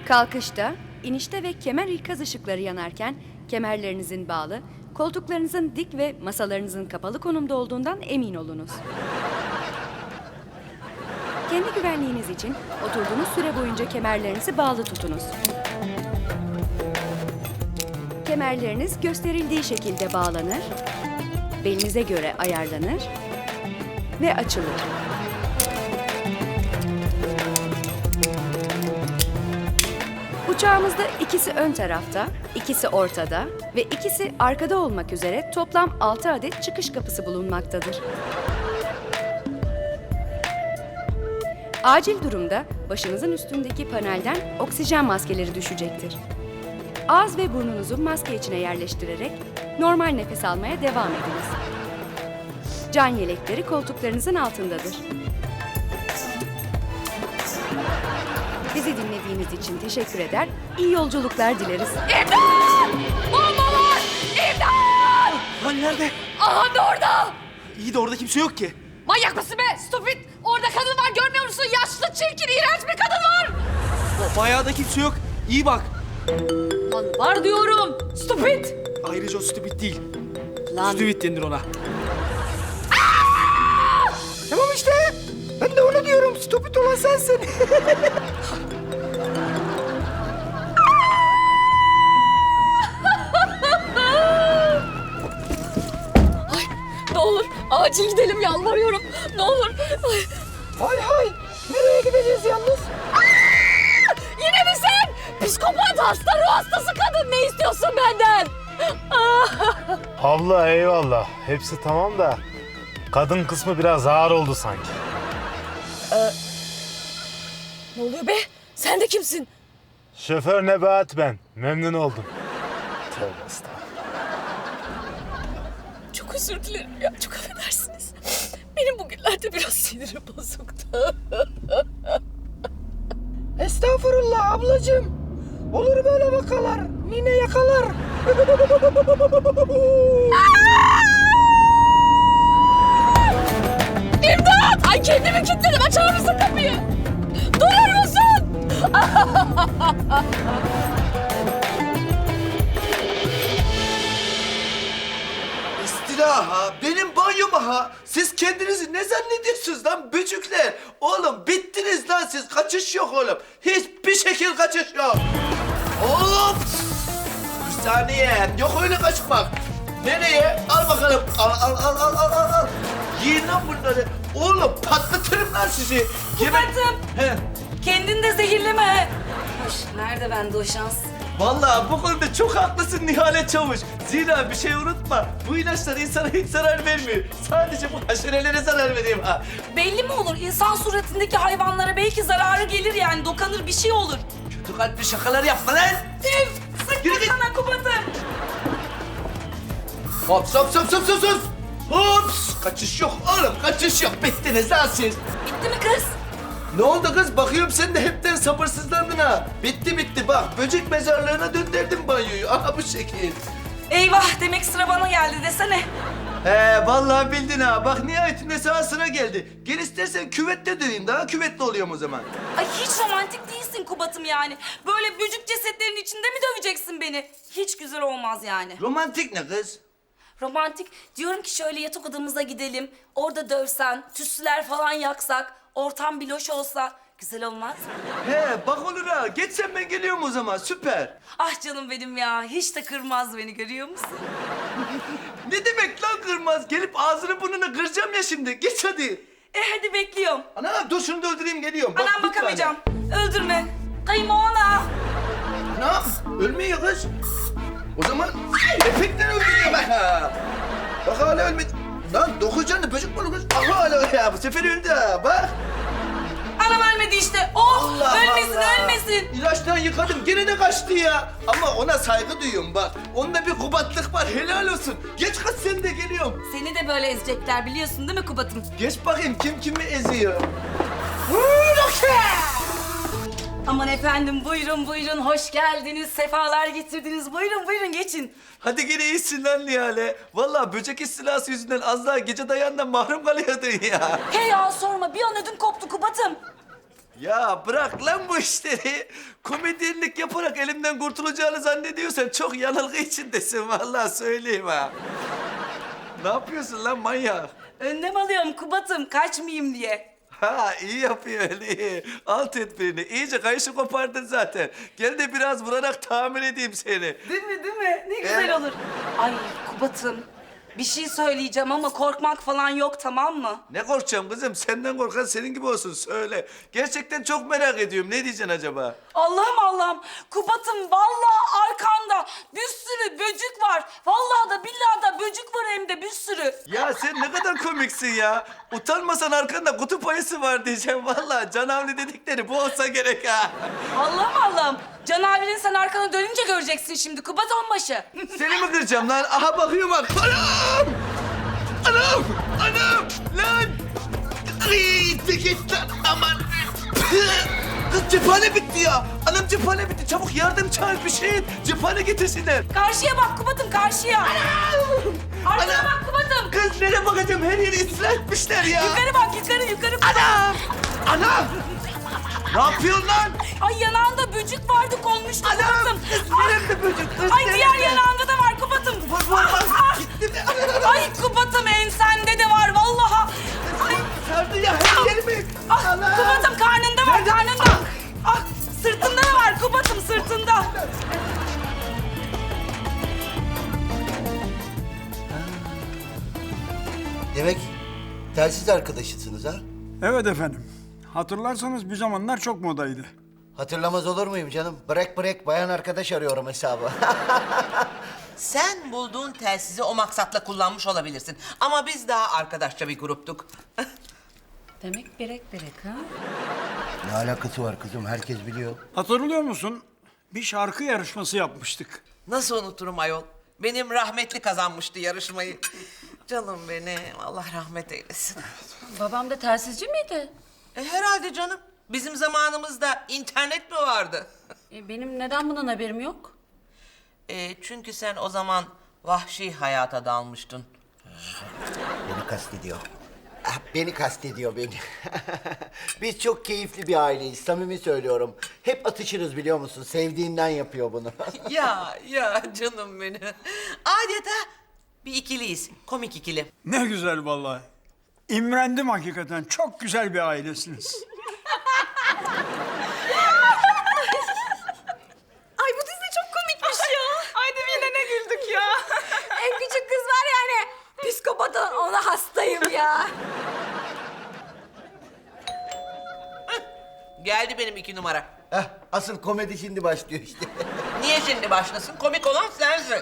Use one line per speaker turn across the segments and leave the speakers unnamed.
Kalkışta, inişte ve kemer ikaz ışıkları yanarken kemerlerinizin bağlı, koltuklarınızın dik ve masalarınızın kapalı konumda olduğundan emin olunuz. Kendi güvenliğiniz için oturduğunuz süre boyunca kemerlerinizi bağlı tutunuz. Kemerleriniz gösterildiği şekilde bağlanır, belinize göre ayarlanır ve açılır. Uçağımızda ikisi ön tarafta, ikisi ortada ve ikisi arkada olmak üzere toplam 6 adet çıkış kapısı bulunmaktadır. Acil durumda başınızın üstündeki panelden oksijen maskeleri düşecektir. Ağız ve burnunuzu maske içine yerleştirerek normal nefes almaya devam ediniz. Can yelekleri koltuklarınızın altındadır. Bizi dinlediğiniz için teşekkür eder, iyi yolculuklar dileriz.
İmdat! Bomba var! İmdat!
Lan nerede?
Aha da orada!
İyi de orada kimse yok ki.
Manyak mısın be? Stupid! Orada kadın var görmüyor musun? Yaşlı, çirkin, iğrenç bir kadın var!
Bayağı da kimse yok. İyi bak.
Lan var diyorum! Stupid!
Ayrıca o stupid değil.
Lan!
Stupid denir ona. Tamam işte. Ben de onu diyorum. Stupid olan sensin.
Ne olur acil gidelim yalvarıyorum. Ne olur. Ay.
Hay hay. Nereye gideceğiz yalnız?
Yine mi sen? Psikopat, hasta, ruh hastası kadın. Ne istiyorsun benden?
Abla eyvallah. Hepsi tamam da kadın kısmı biraz ağır oldu sanki.
Ne oluyor be? Sen de kimsin?
Şoför Nebahat ben. Memnun oldum. Tövbe estağfurullah.
Çok özür dilerim ya. Çok affedersiniz. Benim bugünlerde biraz sinirim bozuktu.
Estağfurullah ablacığım. Olur böyle vakalar. Nine yakalar.
İmdat! Ay kendimi kilitledim. Açar mısın kapıyı? Durur musun?
İstila ha, benim banyoma ha. Siz kendinizi ne zannediyorsunuz lan böcükler? Oğlum bittiniz lan siz, kaçış yok oğlum. Hiçbir şekil kaçış yok. Oğlum! Bir saniye, yok öyle kaçmak. Nereye? Al bakalım. Al. Yiyin lan bunları. Oğlum patlatırım lan sizi.
Kubat'ım.
He.
Kendini de zehirleme. Hoş, nerede bende o şans?
Vallahi bu konuda çok haklısın Nihale Çavuş. Zira bir şey unutma. Bu ilaçlar insana hiç zarar vermiyor. Sadece bu haşerelere zarar veriyor ha.
Belli mi olur? İnsan suratındaki hayvanlara belki zararı gelir yani. Dokanır bir şey olur.
Kötü kalpli şakalar yapma lan.
Üf! Sıkma
Yürü git.
sana Kubat'ım.
Hops. Hops. Kaçış yok oğlum, kaçış yok. Bittiniz lan siz.
Bitti mi kız?
Ne oldu kız? Bakıyorum sen de hepten sabırsızlandın ha. Bitti. Bak böcek mezarlığına döndürdüm banyoyu. Aha bu şekil.
Eyvah demek sıra bana geldi desene.
Vallahi bildin ha. Bak nihayetinde sana sıra geldi. Gel istersen küvette döveyim. Daha küvetli oluyorum o zaman.
Ay hiç romantik değilsin Kubat'ım yani. Böyle bücük cesetlerin içinde mi döveceksin beni? Hiç güzel olmaz yani.
Romantik ne kız?
Romantik diyorum ki şöyle yatak odamıza gidelim. Orada dövsen, tütsüler falan yaksak, ortam bir loş olsa güzel olmaz mı?
Bak olur ha. Geç sen, ben geliyorum o zaman. Süper.
Ah canım benim ya, hiç de kırmaz beni görüyor musun?
Ne demek lan kırmaz? Gelip ağzını burnunu kıracağım ya şimdi. Geç hadi.
Hadi bekliyorum.
Ana dur şunu da öldüreyim, geliyorum. Bak,
Anam
bir tane.
bakamayacağım. Öldürme. Kayınmoğana.
Ana ölmüyor kız. O zaman efekten öldürüyor be. Bak hala ölmedi. Lan 9 canlı böcek mi olur kız? Aha hala ya, bu sefer öldü ha. Bak.
Anam ölmedi işte. Oh ölmesin.
İlaçtan yıkadım, gene de kaçtı ya. Ama ona saygı duyuyorum bak. Onda bir kubatlık var, helal olsun. Geç kız, sen de geliyorum.
Seni de böyle ezecekler biliyorsun değil mi Kubat'ım?
Geç bakayım kim kimi eziyor.
Aman efendim buyurun hoş geldiniz. Sefalar getirdiniz. Buyurun geçin.
Hadi gene iyisin lan Nihale. Vallahi böcek istilası yüzünden az daha gece dayandan mahrum kalıyordun ya.
He ya sorma bir an ödüm koptu Kubat'ım.
Ya bırak lan bu işleri. Komedyenlik yaparak elimden kurtulacağını zannediyorsan çok yanılgı içindesin vallahi söyleyeyim ha. Ne yapıyorsun lan manyak?
Önlem alıyorum Kubat'ım kaçmayayım diye.
Ha iyi yapıyorsun iyi. Al tedbirini. İyice kayışı kopardın zaten. Gel de biraz vurarak tamir edeyim seni.
Değil mi değil mi? Ne güzel olur. Ay Kubat'ım bir şey söyleyeceğim ama korkmak falan yok tamam mı?
Ne korkacağım kızım? Senden korkan senin gibi olsun söyle. Gerçekten çok merak ediyorum. Ne diyeceksin acaba?
Allah'ım Kubat'ım vallahi arkanda bir sürü böcük var. Vallahi da billahi da böcük var hem de bir sürü.
Ya sen ne kadar komiksin ya. Utanmasan arkanda kutup ayısı var diyeceğim. Vallahi canavli dedikleri bu olsa gerek ha.
Allah'ım. Can abinin sen arkana dönünce göreceksin şimdi Kubat onbaşı.
Seni mi kıracağım lan? Aha bakıyorum bak. Anam! Anam! Anam! Lan! Ay, git lan aman! Kız cephane bitti ya. Anam cephane bitti. Çabuk yardım çağır bir şey. Cephane getirsinler.
Karşıya bak Kubat'ım karşıya. Arkana
Anam!
bak Kubat'ım.
Kız nereye bakacağım? Her yeri ıslah etmişler ya.
Yukarı bak yukarı.
Anam! Anam! Ne yapıyorsun lan?
Ay yanağında böcük vardı konmuştu
Anam!
Kubat'ım.
Kız nerede böcek? Kız
Ay
nerede?
diğer yanağında da var Kubat'ım.
Vur. Gitti mi?
Ay Kubat'ım ensende de var vallahi. Ay,
Sardı ya her yerimi.
ah, Kubat'ım karnında var karnında. Ah sırtında da var Kubat'ım sırtında.
Demek telsiz arkadaşısınız ha?
Evet efendim. Hatırlarsanız bir zamanlar çok modaydı.
Hatırlamaz olur muyum canım? Break bayan arkadaş arıyorum hesabı.
Sen bulduğun telsizi o maksatla kullanmış olabilirsin. Ama biz daha arkadaşça bir gruptuk.
Demek berek ha?
Ne alakası var kızım? Herkes biliyor.
Hatırlıyor musun? Bir şarkı yarışması yapmıştık.
Nasıl unuturum ayol? Benim rahmetli kazanmıştı yarışmayı. Canım benim, Allah rahmet eylesin.
Babam da telsizci miydi?
Herhalde canım. Bizim zamanımızda internet mi vardı?
Benim neden bundan haberim yok?
Çünkü sen o zaman vahşi hayata dalmıştın.
Beni kastediyor. Ah, beni kastediyor beni. Biz çok keyifli bir aileyiz. Samimi söylüyorum. Hep atışırız biliyor musun? Sevdiğinden yapıyor bunu.
Ya canım benim. Adeta bir ikiliyiz. Komik ikili.
Ne güzel vallahi. İmrendim hakikaten. Çok güzel bir ailesiniz.
Ay bu dizi çok komikmiş ya. Ay yine ne güldük ya. En küçük kız var yani. Psikopata ona hastayım ya.
Geldi benim 2 numara.
Heh, asıl komedi şimdi başlıyor işte.
Niye şimdi başlasın? Komik olan sensin.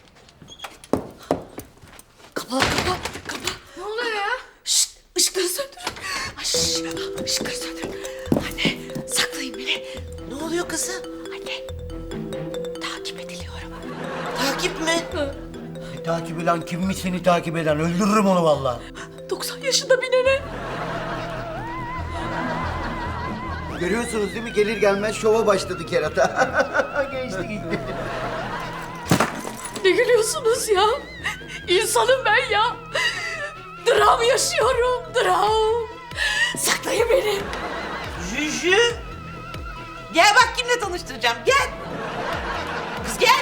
Ne oluyor ya?
Şşt ışıkları söndürün. Ay, şşt, ışıkları söndürün. Anne saklayın beni.
Ne oluyor kızım?
Anne takip ediliyorum.
Takip mi?
Takip eden kimmiş seni takip eden? Öldürürüm onu vallahi.
90 yaşında bir nene.
Görüyorsunuz değil mi? Gelir gelmez şova başladı kerata. Geçti gitti.
Ne gülüyorsunuz ya? İnsanım ben ya. Dram yaşıyorum, dram. Saklayın beni.
Jüjü. Gel bak kimle tanıştıracağım. Gel. Kız gel.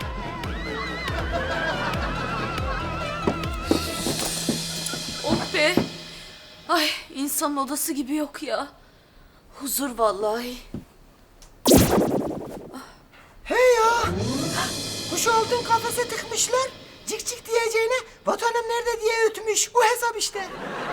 Oh be. Ay insanın odası gibi yok ya. Huzur vallahi.
Hey ya! Kuş oldun kafese tıkmışlar. Cik cik diyeceğine vatanım nerede diye ötmüş. Bu hesap işte.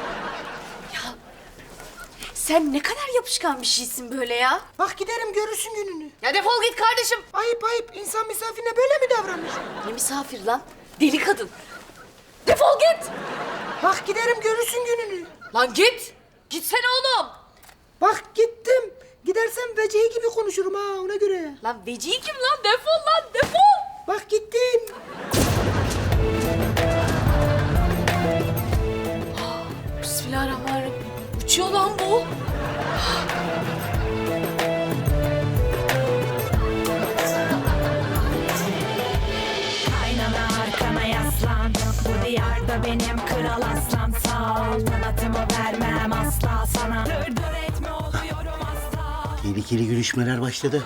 Sen ne kadar yapışkan bir şeysin böyle ya.
Bak giderim görürsün gününü.
Ya defol git kardeşim.
Ayıp ayıp. İnsan misafirine böyle mi davranır?
Ne misafir lan? Deli kadın. Defol git.
Bak giderim görürsün gününü.
Lan git. Gitsene oğlum.
Bak gittim. Gidersem vecihi gibi konuşurum ha ona göre.
Lan vecihi kim lan? Defol lan defol.
Bak gittim.
Bismillahirrahmanirrahim. Uçuyor lan bu.
Kaynana arkana yaslan. Bu diyarda benim kral aslan. Saltanatımı vermem asla sana. Dır dır etme oluyorum asla.
Tehlikeli görüşmeler başladı.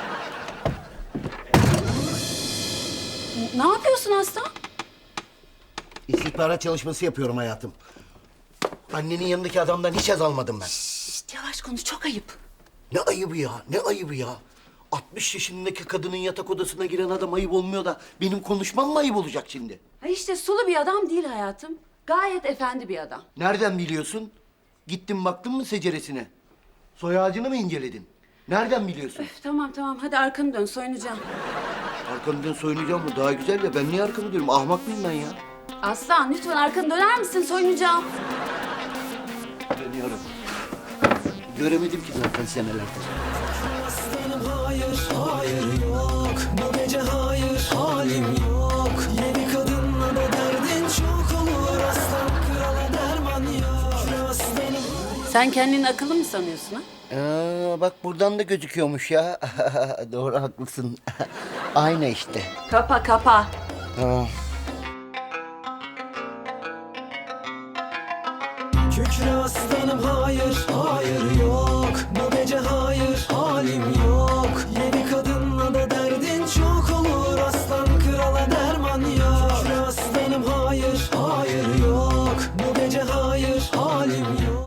Ne yapıyorsun Aslan?
İstihbarat çalışması yapıyorum hayatım. Annenin yanındaki adamdan hiç haz almadım ben.
Şişt, yavaş konuş, çok ayıp.
Ne ayıbı ya, ne ayıbı ya. 60 yaşındaki kadının yatak odasına giren adam ayıp olmuyor da benim konuşmam mı ayıp olacak şimdi?
Ha işte sulu bir adam değil hayatım. Gayet efendi bir adam.
Nereden biliyorsun? Gittin baktın mı seceresine? Soy ağacını mı inceledin? Nereden biliyorsun?
Tamam tamam, hadi arkanı dön, soyunacağım.
Arkamdan soyunacağım mı? Daha güzel ya. Ben niye arkamı dönüyorum? Ahmak mıyım ben ya?
Aslan lütfen arkanı döner misin? Soyunacağım.
Dönüyorum. Göremedim ki zaten senelerdir.
Sen kendini akıllı mı sanıyorsun ha?
Bak buradan da gözüküyormuş ya. Doğru haklısın. Ayna işte.
Kapa kapa.
Tamam.
Kükre aslanım hayır, hayır yok. Bu gece hayır, halim